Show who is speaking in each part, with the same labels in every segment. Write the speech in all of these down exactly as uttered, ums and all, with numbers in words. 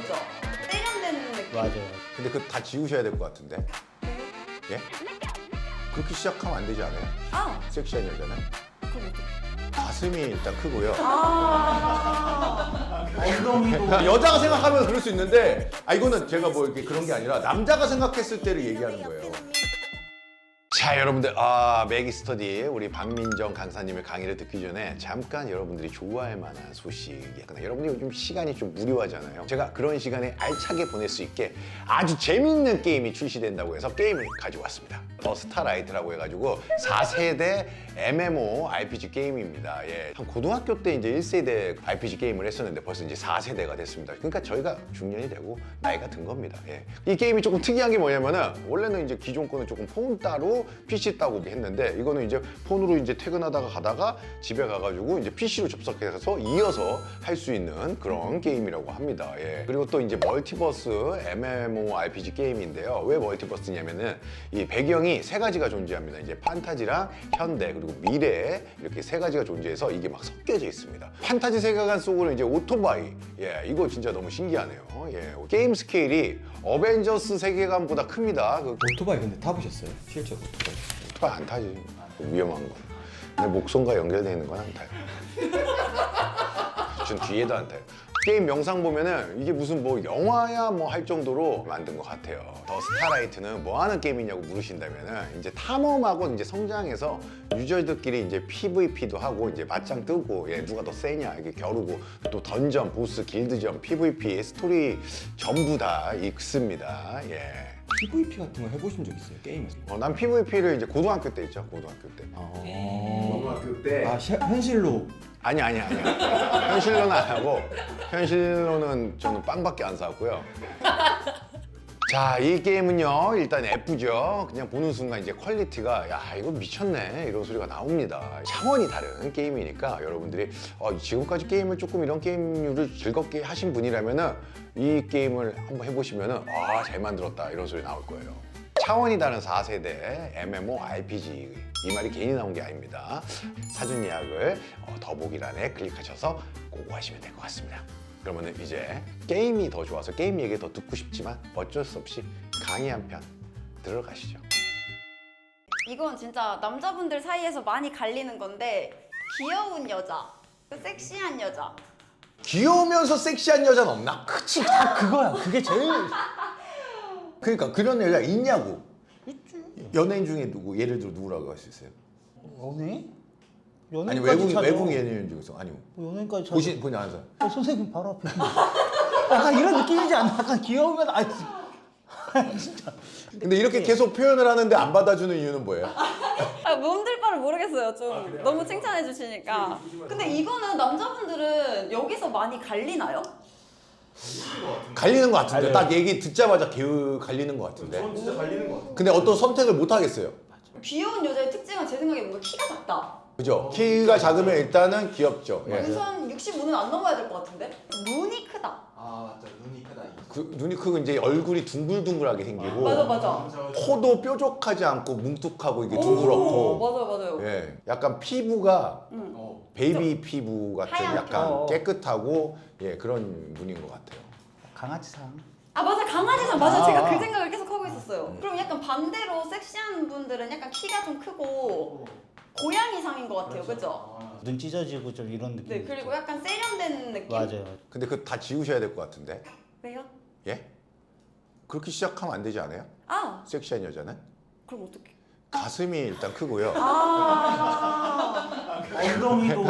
Speaker 1: 그죠? 세련된 느낌.
Speaker 2: 맞아요.
Speaker 3: 근데 그거 다 지우셔야 될 것 같은데. 예? 그렇게 시작하면 안 되지 않아요?
Speaker 1: 아,
Speaker 3: 섹시한 여자는
Speaker 1: 그럼 어떡해?
Speaker 3: 가슴이 일단 크고요.
Speaker 1: 아,
Speaker 2: 엉덩이도
Speaker 3: 여자가 생각하면 그럴 수 있는데, 아 이거는 제가 뭐 이렇게 그런 게 아니라 남자가 생각했을 때를 얘기하는 거예요. 자, 여러분들, 아 맥이스터디 우리 박민정 강사님의 강의를 듣기 전에 잠깐 여러분들이 좋아할 만한 소식. 약간 여러분들이 요즘 시간이 좀 무료하잖아요. 제가 그런 시간에 알차게 보낼 수 있게 아주 재밌는 게임이 출시된다고 해서 게임을 가지고 왔습니다. 더 스타라이트라고 해가지고 사 세대 엠엠오 알피지 게임입니다. 예. 한 고등학교 때 이제 일 세대 알피지 게임을 했었는데 벌써 이제 사 세대가 됐습니다. 그러니까 저희가 중년이 되고 나이가 든 겁니다. 예. 이 게임이 조금 특이한 게 뭐냐면은 원래는 이제 기존 거는 조금 폰 따로 피씨 따고 했는데 이거는 이제 폰으로 이제 퇴근하다가 가다가 집에 가가지고 이제 피씨로 접속해서 이어서 할 수 있는 그런 게임이라고 합니다. 예. 그리고 또 이제 멀티버스 엠엠오 알피지 게임인데요. 왜 멀티버스냐면은 이 배경이 세 가지가 존재합니다. 이제 판타지랑 현대 그리고 미래 이렇게 세 가지가 존재해서 이게 막 섞여져 있습니다. 판타지 세계관 속으로 이제 오토바이, 예, 이거 진짜 너무 신기하네요. 예, 게임 스케일이 어벤져스 세계관보다 큽니다. 그
Speaker 2: 오토바이 근데 타보셨어요? 실제 오토바이?
Speaker 3: 오토바이 안 타지. 위험한 거. 내 목손과 연결되어 있는 건 안 타요. 전 뒤에도 안 타요. 게임 영상 보면은 이게 무슨 뭐 영화야 뭐 할 정도로 만든 것 같아요. 더 스타라이트는 뭐 하는 게임이냐고 물으신다면은 이제 탐험하고 이제 성장해서 유저들끼리 이제 피브이피도 하고 이제 맞짱 뜨고 예, 누가 더 세냐 이게 겨루고 또 던전, 보스, 길드전, 피브이피, 스토리 전부 다 있습니다. 예.
Speaker 2: 피브이피 같은 거 해보신 적 있어요? 게임에서?
Speaker 3: 어, 난 피브이피를 이제 고등학교 때 했죠. 고등학교 때.
Speaker 2: 아,
Speaker 4: 고등학교 때
Speaker 2: 아 시- 현실로
Speaker 3: 아니 아니 아니야. 현실로는 안 하고 현실로는 저는 빵밖에 안 사왔고요. 자, 이 게임은요 일단 예쁘죠. 그냥 보는 순간 이제 퀄리티가 야 이거 미쳤네 이런 소리가 나옵니다. 차원이 다른 게임이니까 여러분들이 어, 지금까지 게임을 조금 이런 게임류를 즐겁게 하신 분이라면은 이 게임을 한번 해보시면은 아 잘 만들었다 이런 소리 나올 거예요. 차원이 다른 사 세대 엠엠오 알피지 이 말이 괜히 나온 게 아닙니다. 사전 예약을 어, 더보기란에 클릭하셔서 꼭 하시면 될 것 같습니다. 그러면 이제 게임이 더 좋아서 게임 얘기 더 듣고 싶지만 어쩔 수 없이 강의 한 편 들어가시죠.
Speaker 1: 이건 진짜 남자분들 사이에서 많이 갈리는 건데 귀여운 여자, 섹시한 여자.
Speaker 3: 귀여우면서 섹시한 여자는 없나?
Speaker 2: 그치 다 그거야. 그게 제일
Speaker 3: 그러니까 그런 여자 있냐고. 연예인 중에 누구? 예를 들어 누구라고 할 수 있어요?
Speaker 5: 연예인?
Speaker 3: 아니
Speaker 5: 연예인까지
Speaker 3: 외국
Speaker 5: 찾아.
Speaker 3: 외국 연예인 중에서 아니면
Speaker 5: 뭐 연예인까지 찾아.
Speaker 3: 보신 보니 아세요?
Speaker 5: 어, 선생님 바로 앞에. 약간 이런 느낌이지 않나? 약간 귀여우면 아 진짜.
Speaker 3: 근데 이렇게 계속 표현을 하는데 안 받아주는 이유는 뭐예요?
Speaker 1: 아, 몸들 바를 모르겠어요. 좀 너무 칭찬해 주시니까. 근데 이거는 남자분들은 여기서 많이 갈리나요?
Speaker 3: 갈리는 것 같은데
Speaker 2: 갈려요.
Speaker 3: 딱 얘기 듣자마자 개우 갈리는 것 같은데.
Speaker 4: 전 진짜 갈리는 것 같아요.
Speaker 3: 근데 어떤 선택을 못 하겠어요.
Speaker 1: 귀여운 여자의 특징은 제 생각에 뭔가 키가 작다.
Speaker 3: 그죠? 키가 작으면 일단은 귀엽죠. 예.
Speaker 1: 우선 육십오는 안 넘어야 될 것 같은데? 눈이 크다.
Speaker 4: 아 맞다 눈이 크다.
Speaker 3: 그, 눈이 크고 이제 얼굴이 둥글둥글하게 생기고
Speaker 1: 맞아 맞아.
Speaker 3: 코도 뾰족하지 않고 뭉툭하고 이게
Speaker 1: 오,
Speaker 3: 둥그렇고
Speaker 1: 맞아요 맞아요.
Speaker 3: 예, 약간 피부가
Speaker 1: 응.
Speaker 4: 어.
Speaker 3: 베이비 피부 같은
Speaker 1: 하얗게.
Speaker 3: 약간
Speaker 5: 어.
Speaker 3: 깨끗하고 예 그런 분인 것 같아요.
Speaker 5: 강아지상.
Speaker 1: 아 맞아 강아지상 맞아
Speaker 5: 아.
Speaker 1: 제가 그 생각을 계속 하고 있었어요. 그럼 약간 반대로 섹시한 분들은 약간 키가 좀 크고 고양이상인 것 같아요, 그죠?
Speaker 4: 아,
Speaker 5: 눈 찢어지고 좀 이런 느낌.
Speaker 1: 네 그리고 약간 세련된 느낌.
Speaker 5: 맞아요.
Speaker 3: 근데 그거 다 지우셔야 될 것 같은데
Speaker 1: 왜요?
Speaker 3: 예? 그렇게 시작하면 안 되지 않아요?
Speaker 1: 아
Speaker 3: 섹시한 여자는
Speaker 1: 그럼 어떡해?
Speaker 3: 가슴이 일단 크고요.
Speaker 1: 아
Speaker 2: 엉덩이도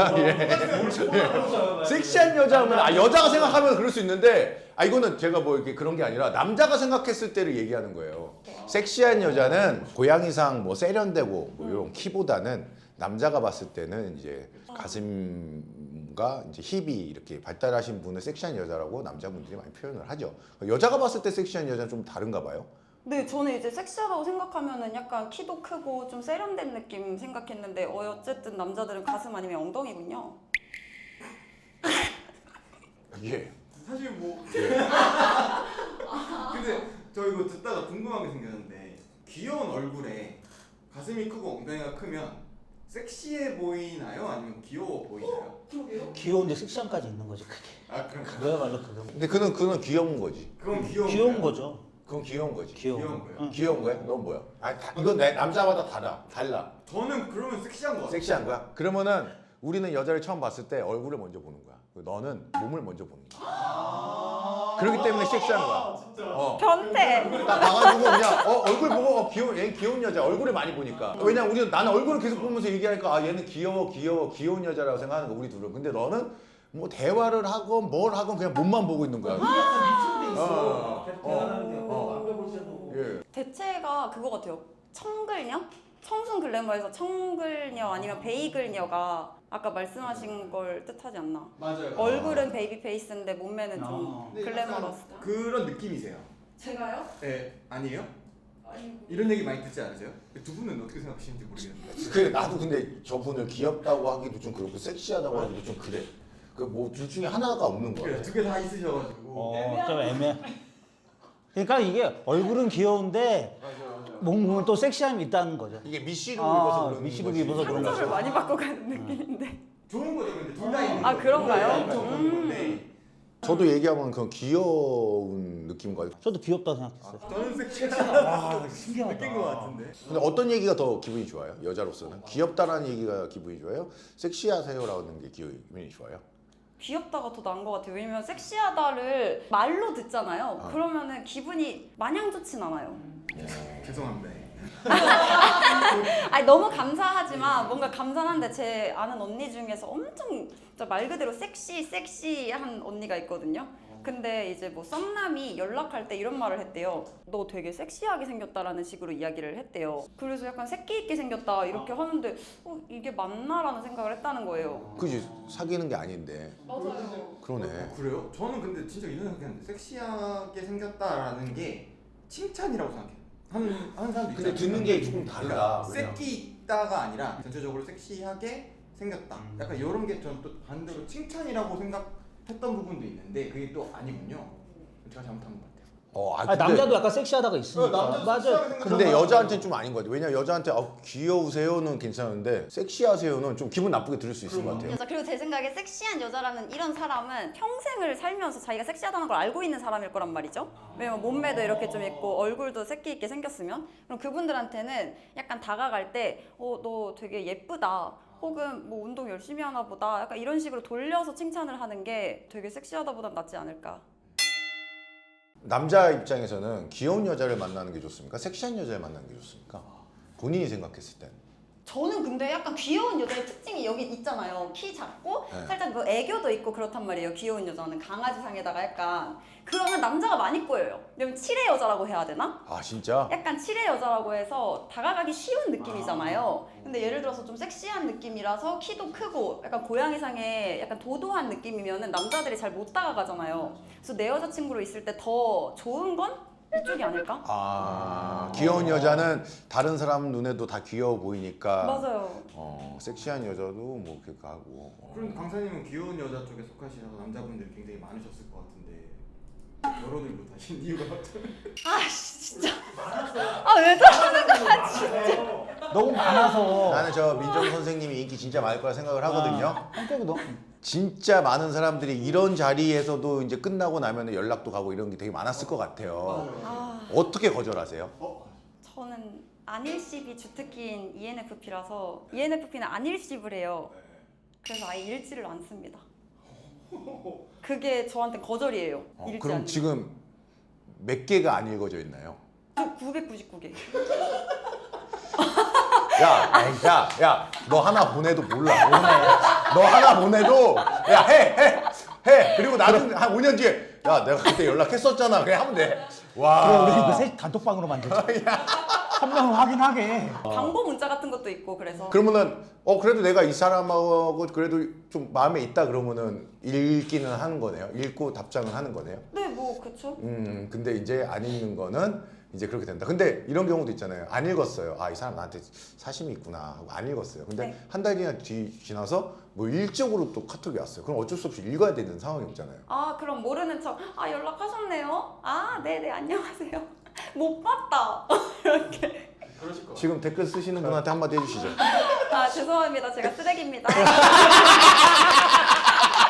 Speaker 3: 섹시한 여자 하면 아 여자가 생각하면 그럴 수 있는데 아 이거는 제가 뭐 이렇게 그런 게 아니라 남자가 생각했을 때를 얘기하는 거예요. 섹시한 여자는 고양이상 뭐 세련되고 뭐 이런 키보다는 남자가 봤을 때는 이제 가슴과 이제 힙이 이렇게 발달하신 분을 섹시한 여자라고 남자분들이 많이 표현을 하죠. 여자가 봤을 때 섹시한 여자는 좀 다른가 봐요.
Speaker 1: 네, 저는 이제 섹시하다고 생각하면은 약간 키도 크고 좀 세련된 느낌 생각했는데 어, 어쨌든 남자들은 가슴 아니면 엉덩이군요.
Speaker 3: 예.
Speaker 4: 사실 뭐 근데 저 이거 듣다가 궁금한 게 생겼는데 귀여운 얼굴에 가슴이 크고 엉덩이가 크면 섹시해 보이나요? 아니면 귀여워 보이나요?
Speaker 1: 그러게요.
Speaker 5: 귀여운데 섹시함까지 있는 거지 그게.
Speaker 4: 아 그럼
Speaker 5: 그거야말로 그거.
Speaker 3: 근데 그는 그는 귀여운 거지.
Speaker 4: 그건 귀여운
Speaker 5: 귀여운
Speaker 4: 거예요?
Speaker 5: 거죠.
Speaker 3: 그건 귀여운 거지.
Speaker 5: 귀여운
Speaker 4: 귀여운
Speaker 5: 거.
Speaker 4: 거예요.
Speaker 5: 응.
Speaker 3: 귀여운 거야? 넌 뭐야? 아니 다, 이건 내 남자마다 달라. 달라.
Speaker 4: 저는 그러면 섹시한 거 같아요.
Speaker 3: 섹시한 거야? 그러면은 우리는 여자를 처음 봤을 때 얼굴을 먼저 보는 거야. 너는 몸을 먼저 보는 거야. 그렇기 때문에 섹시한 거야. 어.
Speaker 1: 변태.
Speaker 3: 딱 봐가지고 그냥 어, 얼굴 보고 어, 귀여운 얘 귀여운 여자 얼굴을 많이 보니까. 왜냐 우리는 나는 얼굴을 계속 보면서 얘기하니까 아 얘는 귀여워 귀여워 귀여운 여자라고 생각하는 거 우리 둘은. 근데 너는 뭐 대화를 하건 뭘 하건 그냥 몸만 보고 있는 거야. 어. 어. 예.
Speaker 1: 대체가 그거 같아요. 청글녀? 청순 글래머에서 청글녀 아니면 베이글녀가 아까 말씀하신 걸 뜻하지 않나?
Speaker 4: 맞아요.
Speaker 1: 얼굴은 베이비 페이스인데 몸매는 좀
Speaker 5: 아.
Speaker 4: 근데
Speaker 1: 글래머러스.
Speaker 4: 약간 그런 느낌이세요.
Speaker 1: 제가요?
Speaker 4: 네 아니에요?
Speaker 1: 아니
Speaker 4: 이런 얘기 많이 듣지 않으세요? 두 분은 어떻게 생각하시는지 모르겠는데.
Speaker 3: 그래 나도 근데 저분을 귀엽다고 하기도 좀 그렇고 섹시하다고 하기도 좀 그래. 그 뭐 둘 중에 하나가 없는 거야.
Speaker 4: 두 개 다 있으셔가지고.
Speaker 5: 어, 좀 애매. 그러니까 이게 얼굴은 귀여운데 몸은 또 섹시함이 있다는 거죠.
Speaker 3: 이게 미시룩
Speaker 5: 아,
Speaker 3: 입어서 그런
Speaker 5: 미시룩
Speaker 3: 거지.
Speaker 5: 입어서 그런
Speaker 1: 상처를
Speaker 5: 거죠.
Speaker 1: 많이 받고 가는 느낌인데.
Speaker 4: 좋은 거죠, 근데 둘 다 있는
Speaker 1: 아,
Speaker 4: 거죠.
Speaker 1: 그런가요?
Speaker 4: 엄청 좋은
Speaker 1: 음.
Speaker 4: 건데.
Speaker 3: 저도 얘기하면 그런 귀여운 느낌인 것 같아요.
Speaker 5: 저도 귀엽다고 생각했어요.
Speaker 4: 저는 섹시하다.
Speaker 5: 와, 신기하다.
Speaker 4: 느낀 거 같은데.
Speaker 3: 근데 어떤 얘기가 더 기분이 좋아요? 여자로서는 귀엽다라는 얘기가 기분이 좋아요? 섹시하세요라는 게 기분이 좋아요?
Speaker 1: 귀엽다가 더 나은 것 같아요. 왜냐면 섹시하다를 말로 듣잖아요.
Speaker 3: 아.
Speaker 1: 그러면은 기분이 마냥 좋진 않아요.
Speaker 4: 죄송합니다.
Speaker 1: 아니 너무 감사하지만 뭔가 감사한데 제 아는 언니 중에서 엄청 진짜 말 그대로 섹시 섹시한 언니가 있거든요. 근데 이제 뭐 썸남이 연락할 때 이런 말을 했대요. 너 되게 섹시하게 생겼다라는 식으로 이야기를 했대요. 그래서 약간 새끼 있게 생겼다 이렇게 하는데 어, 이게 맞나라는 생각을 했다는 거예요.
Speaker 3: 그지 사귀는 게 아닌데.
Speaker 1: 맞아요.
Speaker 3: 그러네.
Speaker 4: 어, 그래요? 저는 근데 진짜 이런 생각했는데 섹시하게 생겼다라는 게 칭찬이라고 생각해요. 하는 하는 사람도
Speaker 3: 근데
Speaker 4: 있잖아요.
Speaker 3: 듣는 게 조금 달라.
Speaker 4: 새끼 있다가 아니라 전체적으로 섹시하게 생겼다. 약간 이런 게 저는 또 반대로 칭찬이라고 생각했던 부분도 있는데 그게 또 아니군요. 제가 잘못한 것 같아요.
Speaker 3: 어, 아,
Speaker 5: 아,
Speaker 3: 근데,
Speaker 5: 남자도 약간 섹시하다고 있으니까.
Speaker 4: 남자도
Speaker 5: 맞아요.
Speaker 4: 섹시하게 생겼다.
Speaker 3: 근데 여자한테는 좀 아닌 것 같아요. 왜냐 여자한테 어, 귀여우세요는 괜찮은데 섹시하세요는 좀 기분 나쁘게 들을 수 있을 것 같아요.
Speaker 1: 여자 그리고 제 생각에 섹시한 여자라는 이런 사람은 평생을 살면서 자기가 섹시하다는 걸 알고 있는 사람일 거란 말이죠. 왜냐면 몸매도 이렇게 좀 있고 얼굴도 새끼 있게 생겼으면 그럼 그분들한테는 약간 다가갈 때 어 너 되게 예쁘다. 혹은 뭐 운동 열심히 하나 보다. 약간 이런 식으로 돌려서 칭찬을 하는 게 되게 섹시하다보단 낫지 않을까.
Speaker 3: 남자 입장에서는 귀여운 여자를 만나는 게 좋습니까? 섹시한 여자를 만나는 게 좋습니까? 본인이 생각했을 땐.
Speaker 1: 저는 근데 약간 귀여운 여자의 특징이 여기 있잖아요. 키 작고
Speaker 3: 네.
Speaker 1: 살짝 뭐 애교도 있고 그렇단 말이에요. 귀여운 여자는 강아지상에다가 약간 그러면 남자가 많이 꼬여요. 왜냐면 칠의 여자라고 해야 되나?
Speaker 3: 아 진짜?
Speaker 1: 약간 칠의 여자라고 해서 다가가기 쉬운 느낌이잖아요. 근데 예를 들어서 좀 섹시한 느낌이라서 키도 크고 약간 고양이상의 약간 도도한 느낌이면은 남자들이 잘 못 다가가잖아요. 그래서 내 여자친구로 있을 때 더 좋은 건 이쪽이 아닐까?
Speaker 3: 아 귀여운 여자는 다른 사람 눈에도 다 귀여워 보이니까.
Speaker 1: 맞아요.
Speaker 3: 어 섹시한 여자도 뭐 그렇게 하고. 어.
Speaker 4: 그럼 강사님은 귀여운 여자 쪽에 속하시셔서 남자분들이 굉장히 많으셨을 것 같은데 결혼을 못 하신 이유가
Speaker 1: 아씨 진짜. 아 왜 저러는 거야 진짜.
Speaker 5: 너무 많아서.
Speaker 3: 나는 저 민정 선생님이 인기 진짜 많을 거라 생각을 하거든요.
Speaker 5: 아, 성격이 너무.
Speaker 3: 진짜 많은 사람들이 이런 자리에서도 이제 끝나고 나면 연락도 가고 이런 게 되게 많았을 것 같아요.
Speaker 1: 아
Speaker 3: 어떻게 거절하세요?
Speaker 1: 저는 안일십이 주특기인 이엔에프피라서 이엔에프피는 안일십을 해요. 그래서 아예 일지를 안 씁니다. 그게 저한테 거절이에요.
Speaker 3: 어,
Speaker 1: 일지
Speaker 3: 그럼
Speaker 1: 안
Speaker 3: 지금 몇 개가 안 읽어져 있나요?
Speaker 1: 저 구백구십구 개.
Speaker 3: 야, 야, 야, 너 하나 보내도 몰라. 너 하나 보내도 야, 해, 해, 해. 그리고 나중에 한 오 년 뒤에 야, 내가 그때 연락했었잖아. 그래 하면 돼.
Speaker 5: 그럼
Speaker 3: 와.
Speaker 5: 우리 그 셋 단톡방으로 만들자. 한 명은 확인하게.
Speaker 1: 광고 문자 같은 것도 있고 그래서
Speaker 3: 그러면은 어 그래도 내가 이 사람하고 그래도 좀 마음에 있다 그러면은 읽기는 하는 거네요. 읽고 답장은 하는 거네요.
Speaker 1: 네 뭐 그쵸.
Speaker 3: 음, 근데 이제 안 읽는 거는 이제 그렇게 된다. 근데 이런 경우도 있잖아요. 안 읽었어요. 아, 이 사람 나한테 사심이 있구나 하고 안 읽었어요. 근데
Speaker 1: 네.
Speaker 3: 한 달이나 뒤 지나서 뭐 일적으로 또 카톡이 왔어요. 그럼 어쩔 수 없이 읽어야 되는 상황이 없잖아요.
Speaker 1: 아 그럼 모르는 척 아 연락하셨네요. 아 네네 안녕하세요. 못 봤다. 이렇게.
Speaker 4: 그러실 것
Speaker 3: 지금 댓글 쓰시는 분한테 한마디 해주시죠.
Speaker 1: 아 죄송합니다. 제가 쓰레기입니다.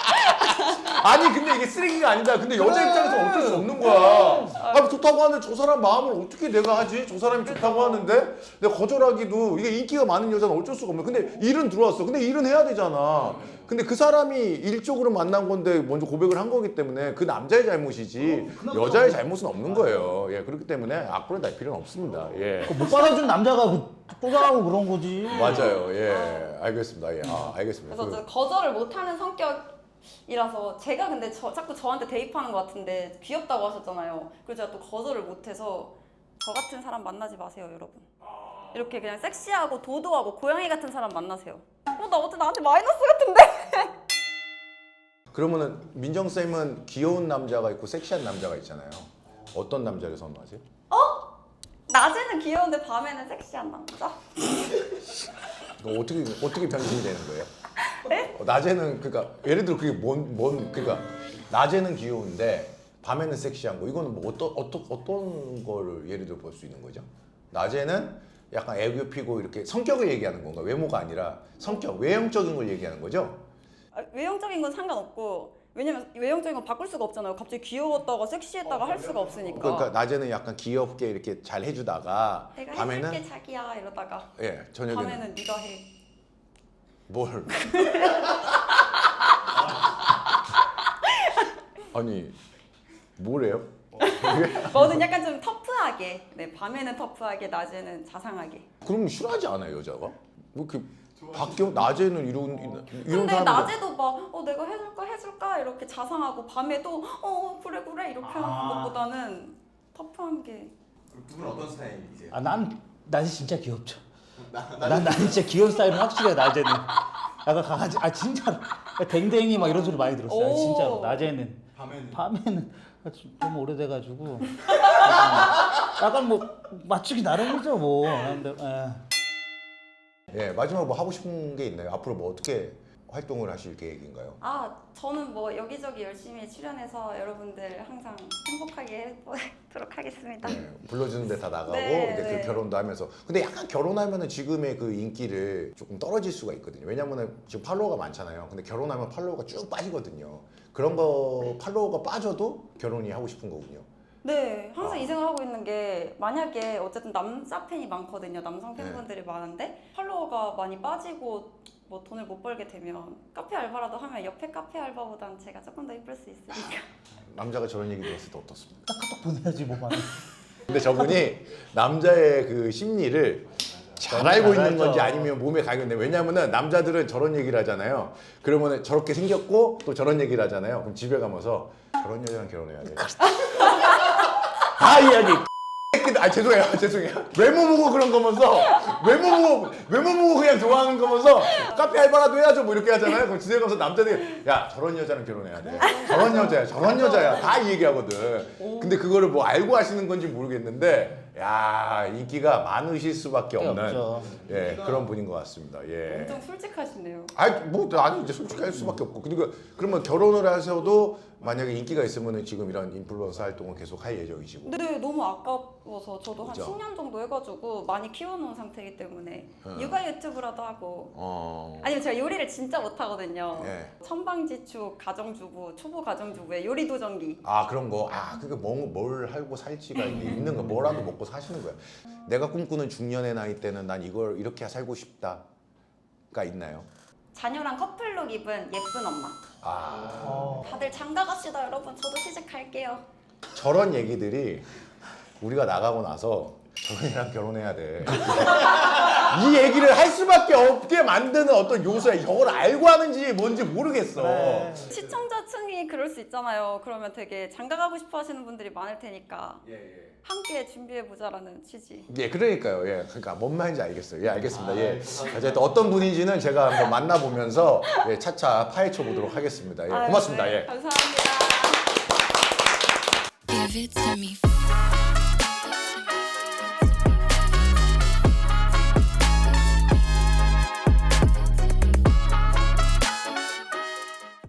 Speaker 3: 아니 근데 이게 쓰레기가 아니다. 근데 여자 입장에서 어쩔 수 없는 거야. 아 좋다고 하는데 저 사람 마음을 어떻게 내가 하지? 저 사람이 좋다고 하는데 내가 거절하기도 이게 인기가 많은 여자는 어쩔 수가 없는. 근데 일은 들어왔어. 근데 일은 해야 되잖아. 근데 그 사람이 일적으로 만난 건데 먼저 고백을 한 거기 때문에 그 남자의 잘못이지 여자의 잘못은 없는 거예요. 예 그렇기 때문에 악플을 달 필요는 없습니다. 예
Speaker 5: 못 받아준 남자가 꼬장하고 그런 거지.
Speaker 3: 맞아요. 예 알겠습니다. 예 아, 알겠습니다.
Speaker 1: 그래서
Speaker 3: 그-
Speaker 1: 저 거절을 못하는 성격이라서 제가 근데 저, 자꾸 저한테 대입하는 것 같은데 귀엽다고 하셨잖아요. 그래서 제가 또 거절을 못해서 저 같은 사람 만나지 마세요, 여러분. 이렇게 그냥 섹시하고 도도하고 고양이 같은 사람 만나세요. 어, 나 어째 나한테 마이너스 같은데?
Speaker 3: 그러면은 민정 쌤은 귀여운 남자가 있고 섹시한 남자가 있잖아요. 어떤 남자를 선호하세요?
Speaker 1: 낮에는 귀여운데 밤에는 섹시한 남자?
Speaker 3: 이거 어떻게 어떻게 변신이 되는 거예요? 어, 낮에는 그러니까 예를 들어 그게 뭔 뭔 그러니까 낮에는 귀여운데 밤에는 섹시한 거 이거는 뭐 어떤 어떤 어떤 거를 예를 들어 볼 수 있는 거죠? 낮에는 약간 애교 피고 이렇게 성격을 얘기하는 건가? 외모가 아니라 성격 외형적인 걸 얘기하는 거죠?
Speaker 1: 아, 외형적인 건 상관없고 왜냐면 외형적인 건 바꿀 수가 없잖아요. 갑자기 귀여웠다가 섹시했다가 할 수가 없으니까.
Speaker 3: 그러니까 낮에는 약간 귀엽게 이렇게 잘 해주다가
Speaker 1: 내가
Speaker 3: 밤에는
Speaker 1: 해줄게 자기야 이러다가
Speaker 3: 예 저녁에는
Speaker 1: 밤에는 네가 해.
Speaker 3: 뭘? 아니 뭐래요?
Speaker 1: 뭐든 약간 좀 터프하게. 네, 밤에는 터프하게, 낮에는 자상하게.
Speaker 3: 그럼 싫어하지 않아요 여자가? 뭐 이렇게 바뀌어 낮에는 이런 이런
Speaker 1: 근데
Speaker 3: 사람들
Speaker 1: 낮에도 막 어 내가 해줄까 해줄까 이렇게 자상하고 밤에도 어 그래 그래 이렇게 하는
Speaker 2: 아.
Speaker 1: 것보다는 터프한 게.
Speaker 4: 두 분은 어떤 스타일이세요?
Speaker 5: 아, 난 낮에 진짜 귀엽죠. 난 나는 진짜 귀여운 스타일은 확실해 낮에는. 약간 강아지 아 진짜로 댕댕이 막 이런 소리 많이 들었어요.
Speaker 1: 오.
Speaker 5: 진짜로 낮에는.
Speaker 4: 밤에는
Speaker 5: 밤에는 좀- 좀 오래돼가지고 약간 뭐 맞추기 나름이죠 뭐. 근데 에.
Speaker 3: 예 마지막 뭐 하고 싶은 게 있나요? 앞으로 뭐 어떻게 활동을 하실 계획인가요?
Speaker 1: 아 저는 뭐 여기저기 열심히 출연해서 여러분들 항상 행복하게 해보도록 하겠습니다.
Speaker 3: 네, 불러주는 데 다 나가고
Speaker 1: 네,
Speaker 3: 이제
Speaker 1: 네.
Speaker 3: 그 결혼도 하면서 근데 약간 결혼하면은 지금의 그 인기를 조금 떨어질 수가 있거든요. 왜냐면은 지금 팔로워가 많잖아요. 근데 결혼하면 팔로워가 쭉 빠지거든요. 그런 거 팔로워가 빠져도 결혼이 하고 싶은 거군요.
Speaker 1: 네, 항상
Speaker 3: 아.
Speaker 1: 이 생각을 하고 있는 게 만약에 어쨌든 남자 팬이 많거든요. 남성 팬분들이
Speaker 3: 네.
Speaker 1: 많은데 팔로워가 많이 빠지고 뭐 돈을 못 벌게 되면 카페 알바라도 하면 옆에 카페 알바보단 제가 조금 더 이쁠 수 있으니까.
Speaker 3: 남자가 저런 얘기 들었을 때 어떻습니까?
Speaker 5: 카톡 보내야지 뭐 많이.
Speaker 3: 근데 저분이 남자의 그 심리를 잘
Speaker 5: 너무
Speaker 3: 알고
Speaker 5: 잘
Speaker 3: 있는
Speaker 5: 알죠.
Speaker 3: 건지 아니면 몸에 가겠는데 왜냐면은 남자들은 저런 얘기를 하잖아요. 그러면은 저렇게 생겼고 또 저런 얘기를 하잖아요. 그럼 집에 가면서 저런 여자랑 결혼해야 돼. 다 이야기. 아 죄송해요 죄송해요 외모 보고 그런 거면서 외모 보고 외모 보고 그냥 좋아하는 거면서 카페 알바라도 해야죠 뭐 이렇게 하잖아요. 그럼 집에 가서 남자들이 야 저런 여자랑 결혼해야 돼 저런 여자야 저런 여자야 다 이 얘기하거든. 근데 그거를 뭐 알고 하시는 건지 모르겠는데 야 인기가 많으실 수밖에 없는
Speaker 5: 없죠.
Speaker 3: 예 그런 분인 것 같습니다. 예.
Speaker 1: 엄청 솔직하시네요.
Speaker 3: 아니 뭐 아니 이제 솔직히 할 수밖에 없고 그러니까 그러면 결혼을 하셔도 만약에 인기가 있으면은 지금 이런 인플루언서 활동을 계속 할 예정이시고.
Speaker 1: 근데 너무 아까워서 저도 한
Speaker 3: 그죠?
Speaker 1: 십 년 정도 해가지고 많이 키워놓은 상태이기 때문에
Speaker 3: 어.
Speaker 1: 육아 유튜브라도 하고
Speaker 3: 어.
Speaker 1: 아니면 제가 요리를 진짜 못하거든요.
Speaker 3: 예.
Speaker 1: 천방지축 가정주부, 초보 가정주부의 요리 도전기.
Speaker 3: 아 그런 거. 아 그게 뭐, 뭘 하고 살지가 이게 있는 거. 뭐라도 먹고 사시는 거야. 내가 꿈꾸는 중년의 나이 때는 난 이걸 이렇게 살고 싶다가 있나요?
Speaker 1: 자녀랑 커플룩 입은 예쁜 엄마.
Speaker 3: 아
Speaker 5: 어.
Speaker 1: 다들 장가 갑시다 여러분. 저도 시집갈게요.
Speaker 3: 저런 얘기들이 우리가 나가고 나서 저런 애랑 결혼해야 돼. 이 얘기를 할 수밖에 없게 만드는 어떤 요소야. 이걸 알고 하는지 뭔지 모르겠어.
Speaker 5: 그래.
Speaker 1: 시청자층이 그럴 수 있잖아요. 그러면 되게 장가 가고 싶어 하시는 분들이 많을 테니까
Speaker 4: 예, 예.
Speaker 1: 함께 준비해보자라는 취지.
Speaker 3: 예, 그러니까요. 예, 그러니까 뭔 말인지 알겠어요. 예, 알겠습니다. 예, 어쨌든 어떤 분인지는 제가 한번 만나보면서 예, 차차 파헤쳐 보도록 하겠습니다. 예,
Speaker 1: 아유,
Speaker 3: 고맙습니다.
Speaker 1: 네,
Speaker 3: 예.
Speaker 1: 감사합니다.
Speaker 6: Give it to me.